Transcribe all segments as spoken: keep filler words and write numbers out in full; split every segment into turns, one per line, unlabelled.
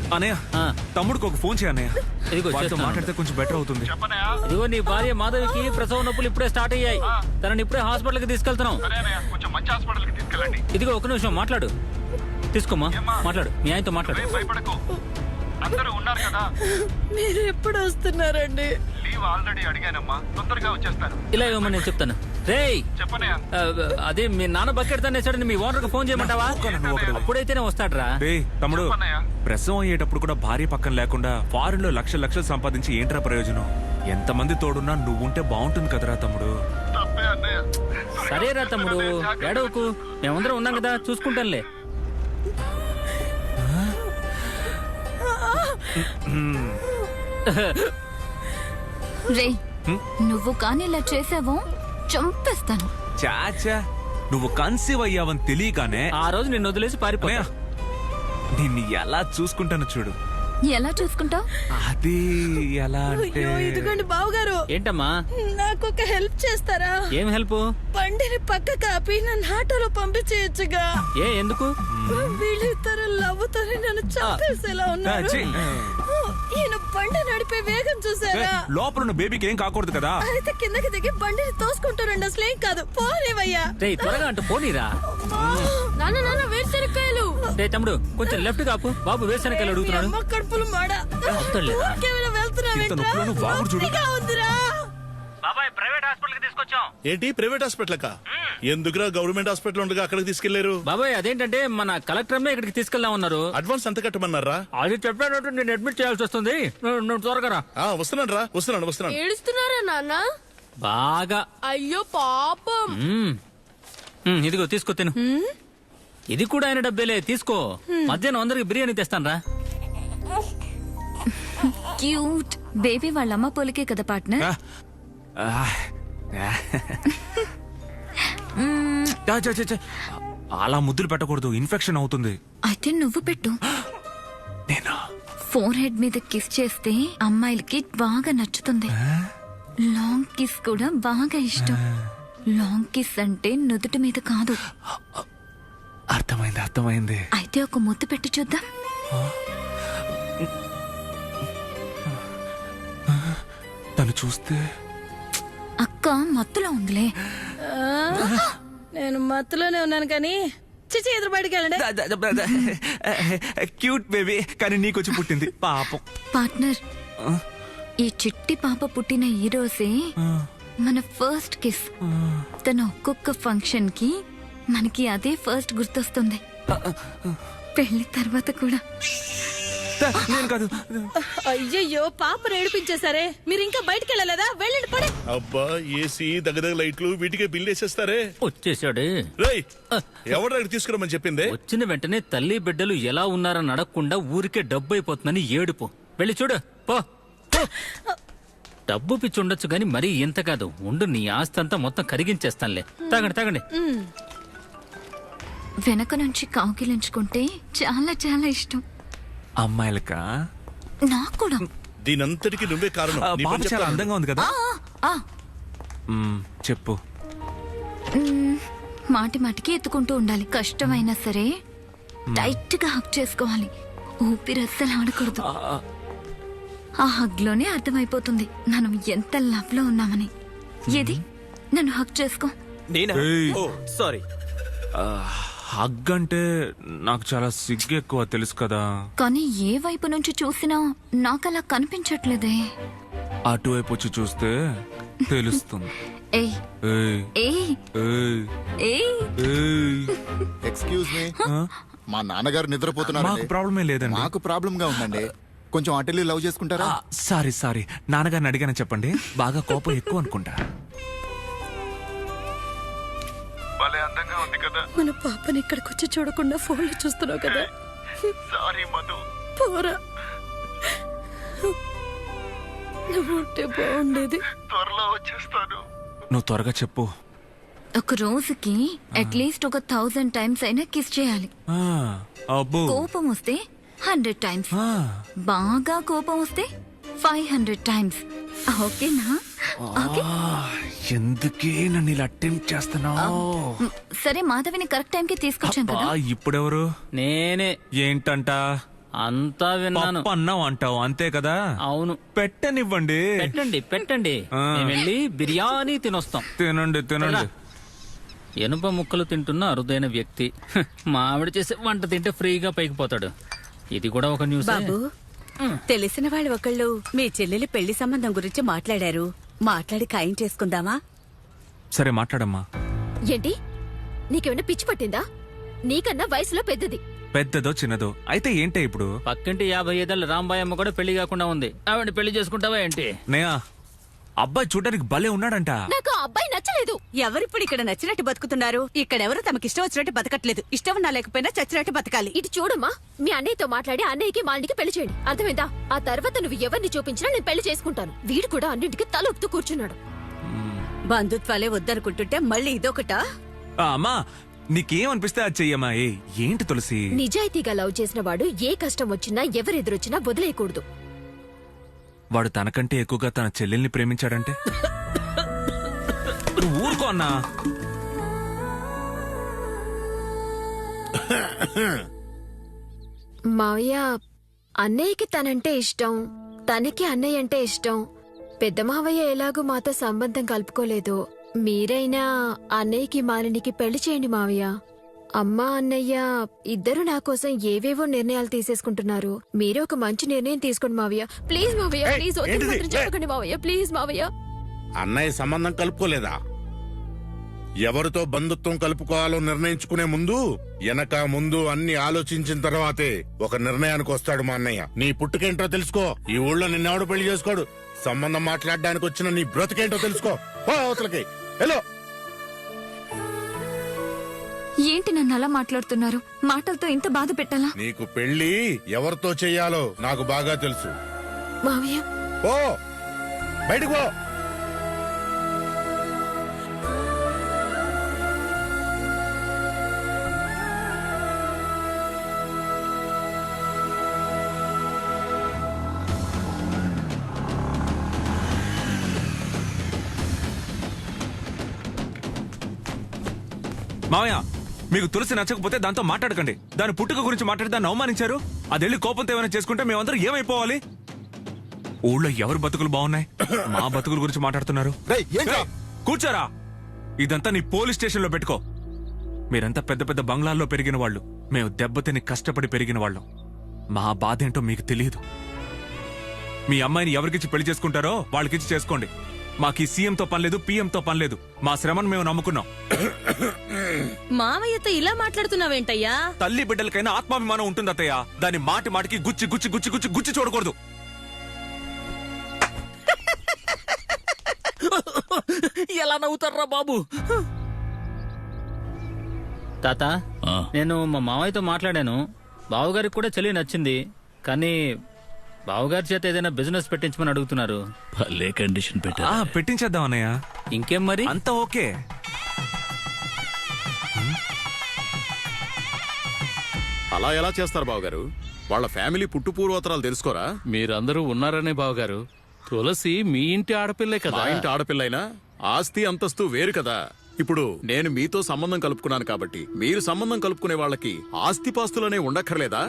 అన్నయ్య తమ్ముడికి ఒక ఫోన్ చేయ అన్నయ్య. వాడితో మాట్లాడితే కొంచెం బెటర్ అవుతుంది.
ఇదిగో నీ భార్య మాధవికి ప్రసవ నొప్పులు ఇప్పుడే స్టార్ట్ అయ్యాయి. తనని ఇప్పుడే హాస్పిటల్ కి తీసుకెళ్తున్నాం. ఇదిగో ఒక నిమిషం మాట్లాడు. తీసుకోమ్మా మాట్లాడు. మీ ఆయనతో మాట్లాడు.
అందరూ ఉన్నారు కదా.
మీరు ఎప్పుడు వస్తున్నారండి?
లీవ్ ఆల్రెడీ అడిగానమ్మా, తొందరగా వచ్చేస్తాను.
ఇలా ఇవ్వమని నేను చెప్తాను. రేయ్
చెప్పనయ్యా.
అదే మీ నాన్న బకెట్ తనేసాడని మీ ఓనర్ కి ఫోన్ చేయమంటావా? అప్పుడైతేనే వస్తాడ్రా.
రే తమ్ముడు, ప్రసవం అయ్యేటప్పుడు కూడా భార్య పక్కన లేకుండా ఫారెన్ లో లక్షలు లక్షలు సంపాదించి ఏంట్రా ప్రయోజనం? ఎంతమంది తోడున్నా నువ్వుంటే బాగుంటుంది కదరా తమ్ముడు.
సరేరా తమ్ముడు, ఏడవకు. మేమందరం ఉన్నాం కదా, చూసుకుంటానులే.
రే నువ్వు కానీ ఇలా చేసావో చంపేస్తాను.
చాచా, నువ్వు కన్సీవ్ అయ్యావని తెలియగానే
ఆ రోజు నిన్ను వదిలేసి పారిపోయా.
నిన్ను ఎలా చూసుకుంటాను చూడు.
ఎలా చూసుకుంటావు?
అది ఎలా అంటే
ఇదిగోండి బావగారు.
ఏంటమ్మా?
నాకు ఒక హెల్ప్ చేస్తారా?
ఏం హెల్ప్?
బండిని పక్క కాపి నన్ను ఆటోలో పంపించేయచ్చుగా.
ఏ ఎందుకు?
వీళ్ళిద్దరు లవ్వుతోనే నన్ను చంపేసేలా ఉన్నారు. ఈయన బండి నడిపే వేగం చూసారా?
లోపల ఉన్న బేబీకి ఏం కాకూడదు కదా.
అయితే కిందకి దిగి బండిని తోసుకుంటారండి. అసలు ఏం కాదు, పోలేవయ్యా.
త్వరగా అంటూ పోనీరా.
నాన్న నాన్న వేరుశనక్కాయలు.
రే తమ్ముడు, కొంచెం లెఫ్ట్ కాపు. బాబు వేరుశనక్కాయలు అడుగుతున్నాడు.
కడుపులు మాడ
బాబాయ్ ప్రైవేట్ హాస్పిటల్ కి తీసుకొచ్చాం.
ఏంటి ప్రైవేట్ హాస్పిటల్ కా? ఎందుకురా గవర్నమెంట్ హాస్పిటల్ ఉండగా అక్కడికి తీసుకెళ్లారు?
బాబాయ్ అదేంటంటే మన కలెక్టర్ ఇక్కడికి తీసుకెళ్దాం ఉన్నారు.
అడ్వాన్స్ ఎంత కట్టమన్నారా?
అది చెప్పానంటే నేను అడ్మిట్ చేయాల్సి వస్తుంది. నువ్వు త్వరగా రా.
వస్తున్నాను రా, వస్తున్నాను వస్తున్నాను.
ఏడుస్తున్నారా నాన్న?
బాగా.
అయ్యో పాపం.
ఇదిగో తీసుకో తిను. ఇది కూడా ఆయన డబ్బేలే, తీసుకో. మధ్యాహ్నం అందరికి బిర్యానీ తెస్తాను రా.
క్యూట్ బేబీ వాళ్ళ అమ్మ పోలికే కదా పార్ట్నర్.
అలా ముద్దులు పెట్టకూడదు, ఇన్ఫెక్షన్ అవుతుంది.
అయితే నువ్వు పెట్టు.
నేనా?
ఫోర్ హెడ్ మీద కిస్ చేస్తే అమ్మాయిలకి బాగా నచ్చుతుంది. లాంగ్ కిస్ కూడా బాగా ఇష్టం. లాంగ్ కిస్ అంటే నుదుటి మీద కాదు.
అర్థమైంది అర్థమైంది.
అయితే ఒక ముద్దు పెట్టి చూద్దాం.
తను చూస్తే
అక్క మత్తులో ఉందిలే.
నేను మత్తులోనే ఉన్నాను కానీ చిచి ఎదురు బయటికి వెళ్ళండి.
క్యూట్ బేబీ, కానీ నీకొచ్చి పుట్టింది పాపం.
పార్ట్నర్, ఈ చిట్టి పాప పుట్టిన ఈ రోజే మన ఫస్ట్ కిస్. తన ఒక్కొక్క ఫంక్షన్ కి మనకి అదే ఫస్ట్ గుర్తొస్తుంది. పెళ్లి తర్వాత కూడా.
నేను కాదు.
అయ్యయ్యో పాప ఏడిపించేసరే. మీరు ఇంకా బయటికి వెళ్ళలేదా? వెళ్ళండి పడే.
అబ్బా ఏసీ దగ్గర లైట్లు వీటికే బిల్ వేసేస్తారే.
వచ్చేసాడు.
రేయ్ ఎవరు తీసుకురమ్మని చెప్పింది?
వచ్చిన వెంటనే తల్లి బిడ్డలు ఎలా ఉన్నారని అడగకుండా ఊరికే డబ్బు అయిపోతుందని ఏడుపు. వెళ్ళి చూడు పో. డబ్బు పిచ్చి ఉండొచ్చు గాని మరీ ఇంత కాదు. ఉండు, నీ ఆస్తి అంతా మొత్తం కరిగించేస్తానులే. తాగండి తాగండి.
వెనక నుంచి కాకిలించుకుంటే చాలా చాలా ఇష్టం.
అమ్మాయిలకా?
నాకు కూడా.
దీనంతటికి నువ్వే కారణం.
పాప చాలా అందంగా ఉంది కదా. చెప్పు.
మాటి మాటికి ఎత్తుకుంటూ ఉండాలి. కష్టమైనా సరే టైట్ గా హక్ చేసుకోవాలి. ఊపిరి అస్సలు ఆడకూడదు. ఆ హగ్ లోనే అర్థమైపోతుంది మనం ఎంత లవ్ లో ఉన్నామని. ఏది నన్ను హక్ చేసుకో.
సారీ, హగ్ అంటే నాకు చాలా సిగ్గు ఎక్కువ, తెలుసు కదా.
కానీ ఏ వైపు నుంచి చూసినా నాకలా కనిపించట్లేదే.
అటువైపు వచ్చి చూస్తే తెలుస్తుంది.
ఏయ్ ఏయ్ ఏయ్.
ఎక్స్క్యూజ్ మీ, మా నాన్నగారు నిద్రపోతున్నారు.
మాకు ప్రాబ్లమే లేదండి.
మాకు ప్రాబ్లం గా ఉందండి. కొంచెం అటెల్లి లవ్ చేసుకుంటారా?
సారీ సారీ, నాన్నగారిని అడిగానని చెప్పండి. బాగా కోపం ఎక్కువ అనుకుంటా.
అందంగా ఉంది కదా.
మన పాపని ఇక్కడికి వచ్చి చూడకుండా ఫోన్ లో చూస్తున్నావు కదా.
సారీ మధు.
పోరా, నువ్వు ఉంటే బాగుండేది.
త్వరలో వచ్చేస్తాను.
నువ్వు త్వరగా చెప్పు.
ఒక రోజుకి అట్లీస్ట్ ఒక థౌజండ్ టైమ్స్ అయినా కిస్ చేయాలి. కోపం వస్తే హండ్రెడ్ టైమ్స్. బాగా కోపం వస్తే ఫైవ్ హండ్రెడ్ టైమ్స్. ఓకేనా?
ఎందుకే నన్ను ఇలా అటెంప్ట్ చేస్తున్నావు?
సరే, మాధవిని కరెక్ట్ టైం కి తీసుకొచ్చాం కదా.
ఇప్పుడెవరు?
నేనే.
ఏంటంట?
అంతా విన్నాను.
పప్పు అన్నం అంటావు అంతే కదా?
అవును.
పెట్టనివ్వండి.
పెట్టండి పెట్టండి,
ఆ.
మేము వెళ్ళి బిర్యానీ తినొస్తాం.
తినండి తినండి.
ఎనుప ముక్కలు తింటున్న అరుదైన వ్యక్తి. హ, మా ఆవిడ చేసే వంట తింటే ఫ్రీగా పైకి పోతాడు. ఇది కూడా ఒక న్యూస్.
బాబు, తెలిసిన వాళ్ళు ఒకళ్ళు మీ చెల్లెలి పెళ్లి సంబంధం గురించి మాట్లాడారు. మాట్లాడి ఖాయం చేసుకుందామా?
సరే మాట్లాడమ్మా.
ఏంటి నీకేమైనా పిచ్చి పట్టిందా? నీకన్నా వయసులో పెద్దది.
పెద్దదో చిన్నదో అయితే ఏంటే ఇప్పుడు?
పక్కింటి యాభై ఐదేళ్ళ రాంబాయ్ అమ్మ కూడా పెళ్లి కాకుండా ఉంది. ఆవిడ పెళ్లి చేసుకుంటావా ఏంటి?
నేయా అబ్బాయి చూడడానికి భలే ఉన్నాడంట.
నాకు ఆ అబ్బాయి నచ్చలేదు.
ఎవరిప్పుడు ఇక్కడ నచ్చినట్టు బతుకుతున్నారు? ఇక్కడెవరు తమకి ఇష్టం వచ్చినట్టు బతకట్లేదు. ఇష్టం ఉన్నా లేకపోయినా చచ్చినట్టు బతకాలి.
ఇటు చూడమ్మా, మీ అన్నయ్యతో మాట్లాడి అన్నయ్యకి మాలినికి పెళ్లి చేయండి. అర్థమైందా? ఆ తర్వాత నువ్వు ఎవరిని చూపించినా నేను పెళ్లి చేసుకుంటాను. వీడు కూడా అన్నింటికి తల ఊపుతూ కూర్చున్నాడు.
బంధుత్వాలే వద్దనుకుంటుంటే మళ్ళీ ఇదొకటా?
ఆ, అమ్మా నీకేమనిపిస్తే అది చెయ్యమ్మా. ఏ ఏంటి తులసి?
నిజాయితీగా లవ్ చేసిన వాడు ఏ కష్టం వచ్చినా ఎవరెదురొచ్చినా వదిలేయకూడదు.
వాడు తనకంటే ఎక్కువగా తన చెల్లెల్ని ప్రేమించాడంటే నువ్వు ఊరుకో అన్నా.
మావయ్య, అన్నయ్యకి తనంటే ఇష్టం, తనకి అన్నయ్య అంటే ఇష్టం. పెద్ద మావయ్య ఎలాగూ మాతో సంబంధం కలుపుకోలేదు. మీరైనా అన్నయ్యకి మాలినికి పెళ్లి చేయండి మావయ్య. అమ్మా అన్నయ్య ఇద్దరు నా కోసం ఏవేవో నిర్ణయాలు తీసేసుకుంటున్నారు. మీరే ఒక మంచి నిర్ణయం తీసుకోండి మావయ్య. ప్లీజ్ మావయ్య,
ఏయ్,
ప్లీజ్ వద్దు
ఏంటిది?
మాత్రం చెప్పకండి మావయ్య. ప్లీజ్ మావయ్య.
అన్నయ్య సంబంధం కలుపుకోలేదా? ఎవరితో బంధుత్వం కలుపుకోవాలో నిర్ణయించుకునే ముందు వెనక ముందు అన్ని ఆలోచించిన తర్వాతే ఒక నిర్ణయానికి వస్తాడు మా అన్నయ్య. నీ పుట్టుకేంటో తెలుసుకో. ఈ ఊళ్ళో నిన్నెవడు పెళ్లి చేసుకోడు. సంబంధం మాట్లాడడానికి వచ్చిన నీ బ్రతుకేంటో తెలుసుకో. పో అవతలకి హలో.
ఏంటి నన్ను అలా మాట్లాడుతున్నారు? మాటలతో ఇంత బాధ పెట్టాలా?
నీకు పెళ్లి ఎవరితో చెయ్యాలో నాకు బాగా తెలుసు.
మావయ్య,
పో బయటకు పో.
మావయ్య మీకు తులసి నచ్చకపోతే దాంతో మాట్లాడకండి. దాని పుట్టుక గురించి మాట్లాడి దాన్ని అవమానించారు. అదెళ్ళి కోపంతో ఏమైనా చేసుకుంటే మేమందరం ఏమైపోవాలి? ఊళ్ళో ఎవరు బతుకులు బాగున్నాయి? మా బతుకుల గురించి మాట్లాడుతున్నారు.
రేయ్, ఏంట్రా?
ఏయ్, కూర్చోరా. ఇదంతా నీ పోలీస్ స్టేషన్ లో పెట్టుకో. మీరంతా పెద్ద పెద్ద బంగ్లాల్లో పెరిగిన వాళ్ళు, మేము దెబ్బతిని కష్టపడి పెరిగిన వాళ్ళం. మా బాధ ఏంటో మీకు తెలియదు. మీ అమ్మాయిని ఎవరికిచ్చి పెళ్లి చేసుకుంటారో వాళ్ళకిచ్చి చేసుకోండి. మాకు ఈ సీఎంతో పనిలేదు, పీఎంతో పనిలేదు. మా శ్రమను మేము నమ్ముకున్నాం.
మావయ్యతో ఇలా మాట్లాడుతున్నావేంటయ్యా?
తల్లి బిడ్డలకైనా ఆత్మాభిమానం ఉంటుంది అత్తయ్య. దాని మాటి మాటికి గుచ్చి గుచ్చి గుచ్చి గుచ్చి గుచ్చి చూడకూడదు.
ఎలా నవ్వుతారా బాబు? తాత, నేను మా మావయ్యతో మాట్లాడాను. బావగారికి కూడా చెల్లి నచ్చింది. కానీ బావగారి చేత ఏదైనా బిజినెస్ పెట్టించమని అడుగుతున్నారు.
భలే కండిషన్ పెట్టా.
ఆ, పెట్టించేద్దాం అన్నయ్య.
ఇంకేం మరి?
అంతా ఓకే.
అలా ఎలా చేస్తారు బావగారు? వాళ్ళ ఫ్యామిలీ పుట్టు పూర్వోత్తరాలు తెలుసుకోరా?
మీరందరూ ఉన్నారనే బావగారు. తులసి మీ ఇంటి ఆడపిల్లే
మా
కదా.
ఇంటి ఆడపిల్లైనా ఆస్తి అంతస్తు వేరు కదా. ఇప్పుడు నేను మీతో సంబంధం కలుపుకున్నాను కాబట్టి మీరు సంబంధం కలుపుకునే వాళ్ళకి ఆస్తిపాస్తులనే ఉండక్కర్లేదా?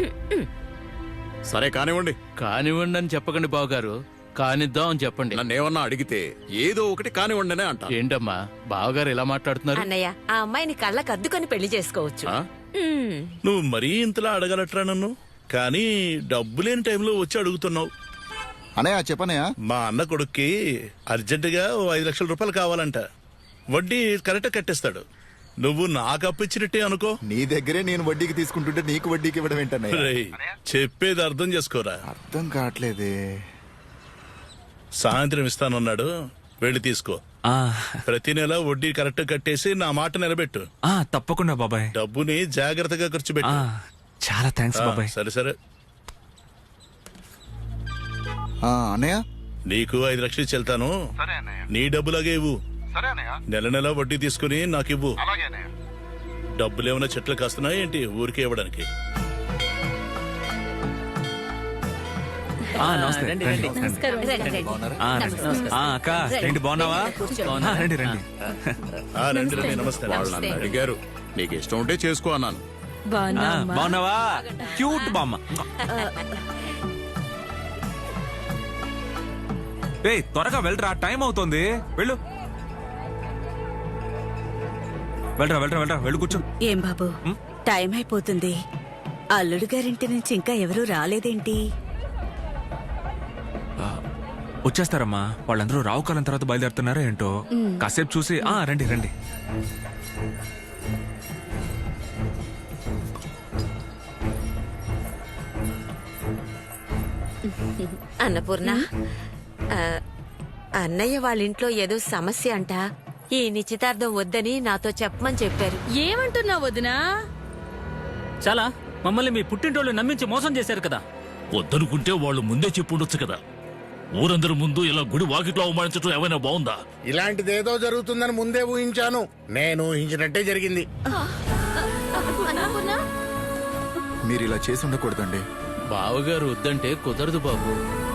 సరే కానివ్వండి.
కానివ్వండి అని చెప్పకండి బావగారు, కానిద్దాం అని చెప్పండి.
నన్నేమన్నా అడిగితే ఏదో ఒకటి కానివ్వండి అనే అంట.
ఏంటమ్మా బావగారు ఎలా మాట్లాడుతున్నారు?
అన్నయ్య, ఆ అమ్మాయిని కళ్ళకు అద్దుకొని పెళ్లి చేసుకోవచ్చు.
ఆ?
నువ్వు మరీ ఇంతలా అడగలట్రా నన్ను. కానీ డబ్బు లేని టైంలో వచ్చి అడుగుతున్నావు.
అనయ్య చెప్పనయ్య.
మా అన్న కొడుక్కి అర్జెంటుగా ఓ ఐదు లక్షల రూపాయలు కావాలంట. వడ్డీ కరెక్ట్ కట్టేస్తాడు. నువ్వు నాకు అప్పిచ్చినట్టే అనుకో.
నీ దగ్గరే నేను వడ్డీకి తీసుకుంటుంటే నీకు వడ్డీకి ఇవ్వడం ఏంటన్నయ్య?
రేయ్, చెప్పేది అర్థం చేసుకోరా.
అర్థం కావట్లేదే.
సాయంత్రం ఇస్తానన్నాడు, వెళ్ళి తీసుకో.
ఆ,
ప్రతి నెల వడ్డీ కరెక్ట్ కట్టేసి నా మాట నిలబెట్టు.
ఆ, తప్పకుండా బాబాయ్.
డబ్బుని జాగ్రత్తగా ఖర్చు
ఆ,
పెట్టు.
చాలా థ్యాంక్స్
ఆ,
బాబాయ్.
సరే సరే.
ఆ, అన్నయ్య
నీకు ఐదు లక్షలు ఇచ్చి వెళ్తాను.
సరే అన్నయ్య.
నీ డబ్బులాగే ఇవ్వు.
సరే అన్నయ్య.
నెల నెల వడ్డీ తీసుకుని నాకు ఇవ్వు.
అలాగే అన్నయ్య.
డబ్బులు ఏమైనా చెట్లు కాస్తున్నాయి ఏంటి ఊరికే ఇవ్వడానికి?
ఆ, నమస్తే.
రండి,
రండి,
రండి.
రండి.
రండి, రండి.
ఆ, రండి. ఆ, అక్క రండి, బాగున్నావా? ఆ, రండి రండి.
ఆ, రండి రండి, నమస్తే.
వాళ్ళు నన్ను అడిగారు, నీకు ఇష్టం ఉంటే చేసుకో అన్నాను.
ఆ,
బాగున్నావమ్మా?
బాగున్నావా క్యూట్ బామ్మ ఏయ్ త్వరగా వెళ్ళరా టైం అవుతోంది వెళ్ళు వెళ్ళరా వెళ్ళరా వెళ్ళరా వెళ్ళు కూర్చో
ఏం బాబు టైం అయిపోతుంది. అల్లుడు గారింటి నుంచి ఇంకా ఎవరూ రాలేదేంటి?
వచ్చేస్తారమ్మా వాళ్ళందరూ రావు కాలం తర్వాత బయలుదేరుతున్నారా ఏంటో కాసేపు చూసి ఆ రండి రండి
అన్నపూర్ణ ఆ, అన్నయ్య వాళ్ళ ఇంట్లో ఏదో సమస్య అంట. ఈ నిశ్చితార్థం వద్దని నాతో చెప్పమని చెప్పారు.
ఏమంటున్నావు వదినా?
చాలా మమ్మల్ని మీ పుట్టింటోళ్ళు నమ్మించి మోసం చేశారు కదా.
వద్దనుకుంటే వాళ్ళు ముందే చెప్పుండొచ్చు కదా. ఊరందరి ముందు ఇలా గుడి వాకిట్లో అవమానించడం ఏమైనా బాగుందా?
ఇలాంటిదేదో జరుగుతుందని ముందే ఊహించాను. నేను ఊహించినట్టే జరిగింది.
మీరు ఇలా చేసి ఉండకూడదండి.
బావగారు వద్దంటే కుదరదు బాబు.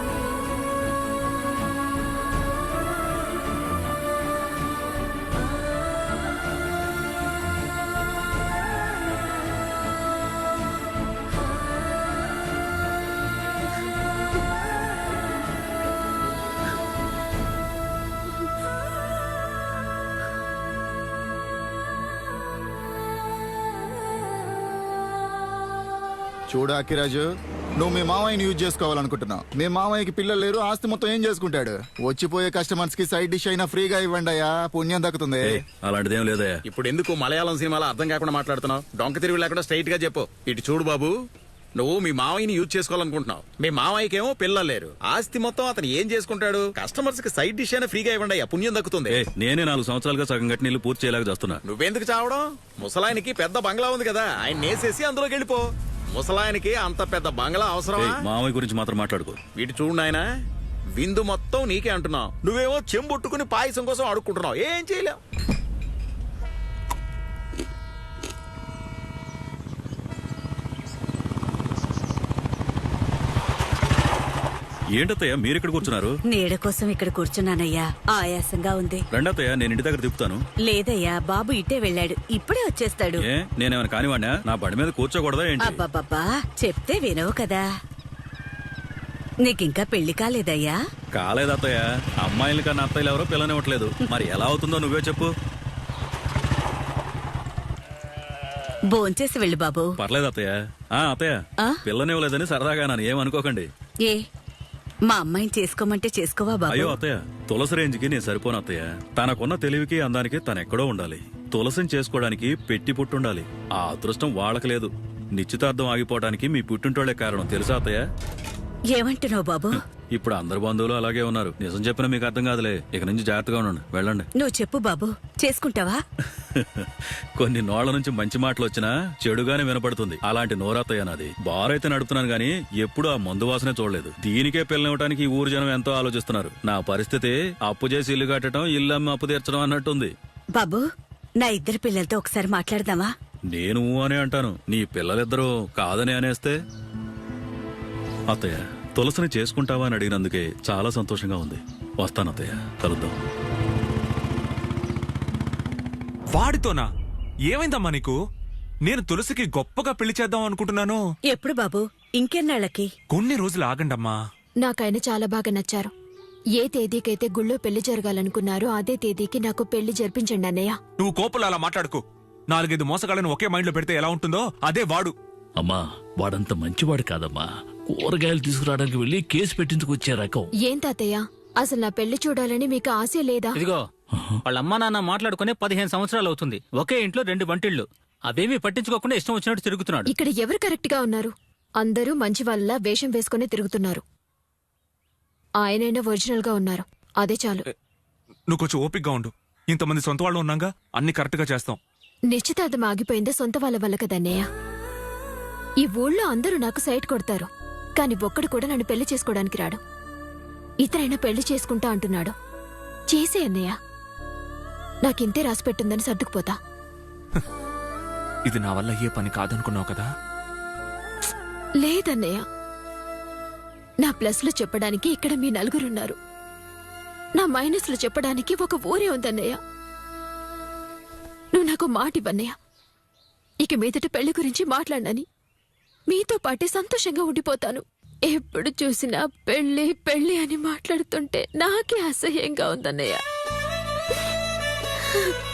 చూడు అక్కిరాజు, నువ్వు మీ మామయ్యని యూజ్ చేసుకోవాలనుకుంటున్నావు. మీ మామయ్యకి పిల్లలు లేరు, ఆస్తి మొత్తం ఏం చేసుకుంటాడు? వచ్చిపోయే కస్టమర్స్ కి సైడ్ డిష్ అయినా ఫ్రీగా ఇవ్వండి అయ్యా, పుణ్యం దక్కుతుంది.
అలాంటిదేం లేదయ్యా. ఇప్పుడు ఎందుకు మలయాళం సినిమాలో అర్థం కాకుండా మాట్లాడుతున్నావు? డొంక తిరిగి లేకుండా స్ట్రైట్ గా చెప్పు. ఇటు చూడు బాబు, నువ్వు మీ మావయ్యని యూజ్ చేసుకోవాలనుకుంటున్నావు. మీ మావయ్యకేమో పిల్లలు లేరు, ఆస్తి మొత్తం అతను ఏం చేసుకుంటాడు? కస్టమర్స్ కి సైడ్ డిష్ అయినా ఫ్రీగా ఇవ్వండి అయ్యా, పుణ్యం దక్కుతుంది.
నేనే నాలుగు సంవత్సరాలుగా సగం కట్టి నీళ్ళు పూర్తి చేయలేక చేస్తున్నా.
నువ్వెందుకు చావడం? ముసలాయనికి పెద్ద బంగ్లా ఉంది కదా, ఆయన నేసేసి అందులోకి వెళ్ళిపో. ముసలాయనికి అంత పెద్ద బంగ్లా అవసరమా?
మామయ్య గురించి మాత్రం మాట్లాడుకో.
వీటి చూడు నాయనా, విందు మొత్తం నీకే అంటున్నావు, నువ్వేమో చెంబొట్టుకుని పాయసం కోసం అడుక్కుంటున్నావు. ఏం చేయలేవు.
ఏంటత్తయ్య మీరు ఇక్కడ కూర్చున్నారు?
నీడ కోసం ఇక్కడ కూర్చున్నానయ్యా, ఆయాసంగా ఉంది.
రెండత్తయ్య నేను ఇంటి దగ్గర తిప్పుతాను.
లేదయ్యా, బాబు ఇట్టే వెళ్ళాడు, ఇప్పుడే వచ్చేస్తాడు.
ఏ నేనేమైనా కానివాడినా? నా బండి మీద కూర్చోకూడదా ఏంటి?
అబ్బబ్బబ్బా, చెప్తే వినవు కదా. నీకింకా పెళ్లి కాలేదయ్యా?
కాలేదత్తయ్య. అమ్మాయిల కన్నా అత్తయ్యలు ఎవరో పిల్లనివ్వట్లేదు. మరి ఎలా అవుతుందో నువ్వే చెప్పు.
భోంచేసి వెళ్ళు బాబు.
పర్లేదు అత్తయ్య. ఆ అత్తయ్య,
ఆ?
పిల్లనివ్వలేదని సరదాగా నన్ను ఏమనుకోకండి.
ఏ మా అమ్మాయిని చేసుకోమంటే చేసుకోవా బాబు?
అయ్యో అత్తయ్య, తులసి రేంజ్కి నేను సరిపోను అత్తయ్య. తనకున్న తెలివికి అందానికి తనెక్కడో ఉండాలి. తులసిని చేసుకోవడానికి పెట్టి పుట్టుండాలి. ఆ అదృష్టం వాళ్ళకి లేదు. నిశ్చితార్థం ఆగిపోవడానికి మీ పుట్టింటోళ్లే కారణం, తెలుసా అత్తయ్య?
ఏమంటున్నావు బాబు?
ఇప్పుడు అందరు బంధువులు అలాగే ఉన్నారు. నిజం చెప్పినా మీకు అర్థం కాదులే. ఇక నుంచి జాగ్రత్తగా ఉండండి, వెళ్ళండి.
నువ్వు చెప్పు బాబు, చేసుకుంటావా?
కొన్ని నోళ్ల నుంచి మంచి మాటలు వచ్చినా చెడుగానే వినపడుతుంది. అలాంటి నోరత్తయ్య నాది. బారైతే నడుపుతున్నాను గానీ ఎప్పుడు ఆ మందు వాసనే చూడలేదు. దీనికే పిల్లనివ్వడానికి ఈ ఊరు జనం ఎంతో ఆలోచిస్తున్నారు. నా పరిస్థితి అప్పు చేసి ఇల్లు కట్టడం, ఇల్లు అమ్మి అప్పు తీర్చడం అన్నట్టుంది.
బాబు, నా ఇద్దరు పిల్లలతో ఒకసారి మాట్లాడదామా?
నేను అనే అంటాను, నీ పిల్లలిద్దరూ కాదని అనేస్తే? అత్తయ్య, తులసిని చేసుకుంటావా అని అడిగినందుకే చాలా సంతోషంగా ఉంది. వస్తాను అత్తయ్య, కలుద్దాం.
వాడితోనా? ఏమైందమ్మా నీకు? నేను తులసికి గొప్పగా పెళ్లి చేద్దాం అనుకుంటున్నాను.
ఎప్పుడు బాబు? ఇంకెన్నాళ్ళకి?
కొన్ని రోజులు ఆగండమ్మా.
నాకైనా చాలా బాగా నచ్చారు. ఏ తేదీకైతే గుళ్ళో పెళ్లి జరగాలనుకున్నారో అదే తేదీకి నాకు పెళ్లి జరిపించండి అన్నయ్య.
నువ్వు కోపలు అలా మాట్లాడుకో. నాలుగైదు మోసగాళ్ళను ఒకే మైండ్ లో పెడితే ఎలా ఉంటుందో అదే వాడు.
అమ్మా, వాడంత మంచివాడు కాదమ్మా. కూరగాయలు తీసుకురావడానికి వెళ్ళి కేసు పెట్టించుకొచ్చే రకం.
ఏం తాతయ్య, అసలు నా పెళ్లి చూడాలని మీకు ఆశ లేదా?
ఇదిగో, వాళ్ళ అమ్మా నాన్న మాట్లాడుకునే పదిహేను సంవత్సరాలు అవుతుంది. ఒకే ఇంట్లో రెండు వంటిళ్ళు. అవేమీ పట్టించుకోకుండా ఇష్టం వచ్చినట్టు తిరుగుతున్నాడు.
ఇక్కడ ఎవరు కరెక్ట్ గా ఉన్నారు? అందరూ మంచి వాళ్ళ వేషం వేసుకుని తిరుగుతున్నారు. ఆయనైనా ఒరిజినల్ గా ఉన్నారు, అదే చాలు.
నువ్వు కొంచెం ఓపిక్గా ఉండు. ఇంతమంది సొంత వాళ్ళు ఉన్నాగా, అన్ని కరెక్ట్ గా చేస్తాం.
నిశ్చితార్థం ఆగిపోయిందే సొంత వాళ్ళ వల్ల కదన్నయ్య. ఈ ఊళ్ళో అందరూ నాకు సైట్ కొడతారు, కాని ఒక్కడు కూడా నన్ను పెళ్లి చేసుకోవడానికి రాడు. ఇతరైనా పెళ్లి చేసుకుంటా అంటున్నాడు. చేసే అన్నయ్య, నాకింతే రాసిపెట్టుందని సర్దుకుపోతా.
ఇది నా వల్ల ఏ పని కాదనుకున్నావు కదా?
లేదన్నయ్య, నా ప్లస్లు చెప్పడానికి ఇక్కడ మీ నలుగురున్నారు. నా మైనస్లు చెప్పడానికి ఒక ఊరే ఉందన్నయ్య. నువ్వు నాకు మాట ఇవ్వన్నయ్య. ఇక మీదట పెళ్లి గురించి మాట్లాడనని మీతో పాటే సంతోషంగా ఉండిపోతాను. ఎప్పుడు చూసినా పెళ్లి పెళ్లి అని మాట్లాడుతుంటే నాకే అసహ్యంగా ఉందన్నయ్య.